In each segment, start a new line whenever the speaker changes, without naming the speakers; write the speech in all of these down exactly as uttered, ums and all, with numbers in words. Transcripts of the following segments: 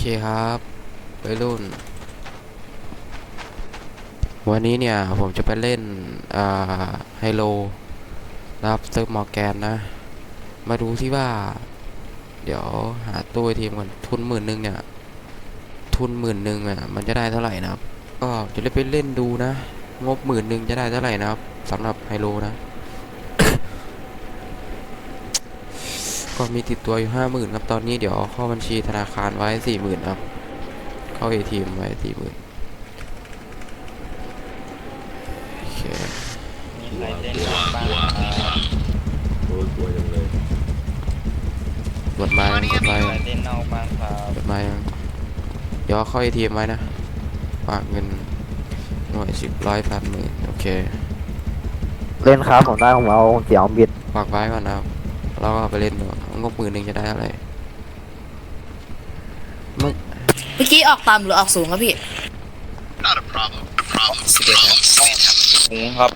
ครับวัยรุ่นวันนี้เนี่ยผมจะไปเล่นอ่าไฮโลนะครับเซิร์ฟมอร์แกนนะมาดูที่ว่าเดี๋ยวหาตู้ทีมก่อนทุนหมื่นหนึ่งเนี่ยทุนหมื่นหนึ่งอ่ะมันจะได้เท่าไหร่นะครับก็จะได้ไปเล่นดูนะงบหมื่นหนึ่งจะได้เท่าไหร่นะครับสำหรับไฮโลนะ ก็มีติดตัวอยู่ห้าหมื่นครับตอนนี้เดี๋ยวเข้าบัญชีธนาคารไว้สี่หมื่นครับเข้าเอทีเอ็มไว้สี่หมื่นโอเค
มีใครเล่นบ้างครับ
โอ้ยกลัวจังเลย
กดมายังกดมา
มี
ยัง
ใครเล่นนอกบ้างครับ
กดมายังเดี๋ยวเข้าเอทีเอ็มไว้นะฝากเงินหน่วยสิบร้อยพันหมื่นโอเค
เล่นครับผมได้ผมเอาเสียงบิด
ฝากไว้ก่อนนะครับเราก็ไปเล่นดูงบหมื่นหนึ่งจะได้อะไรมึง
เมื่อกี้ออกต่ำหรือออกสูงครับพี่
สิบเอ็ดครับ
ถุงครับ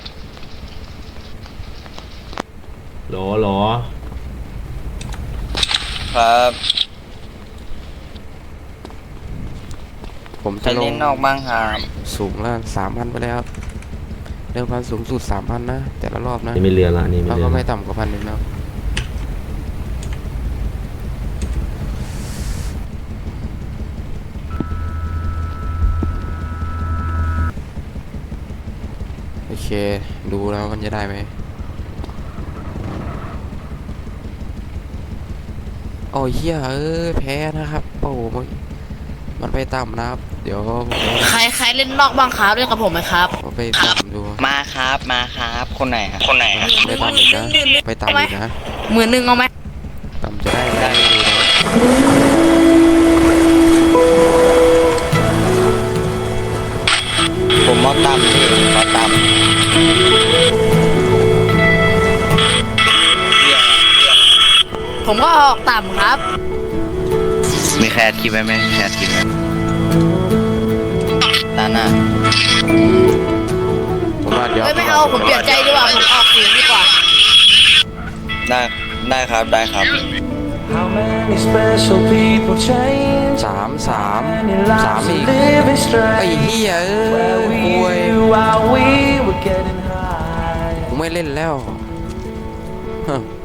หรอหรอ
ครับ
ผม
ใคร
จะล
เล่
ง
นนอกบ้างครับ
สูงแล้วสามพันไปแล้วครับเดิมพันสูงสุดสามพันนะแต่ละรอบนะ
นี่ไม่เรือละนี่ไม่
เรา
เรือ
ก็
ละ
ไม่ต่ำกว่าพันหนึ่งนะโอเคดูแล้วมันจะได้ไหมโอ้ยเฮียเออแพ้นะครับโอ้มันมันไปต่ำนะครับเดี๋ยวผม
ใครใครเล่นนอกบ้างครับเล่นกับผมไหมครับ
ผมไปต่ำดู
มาครับมาครับคนไหนครับคนไหนครับ
ไปต่ำอีกนะไปต่ำอีกนะ
หมื่นหนึ่งเอาไหม
ต่ำจะได้ไม่ได้ดูนะ
ผมมอตั้มพี่มอตั้ม
ผมก็ออกต่ำครับ
มีแคสคิดไว้ไหมแคสคิดไว้ตาหน้า
ผมว่าเดี๋ยว
เอ้ยไม่เอาผมเปลี่ยนใจดีกว่าผมออกสูงดีกว่า
ได้ได้ครับได้ครับ
How many special people change?
สามสาม
Many
สาม
lives
อีก
living
ไอ้
strange.
เหี้ยเอ้
Where
ย
we
ป่วย
knew while we were getting high.
กูไม่เล่นแล้วฮะ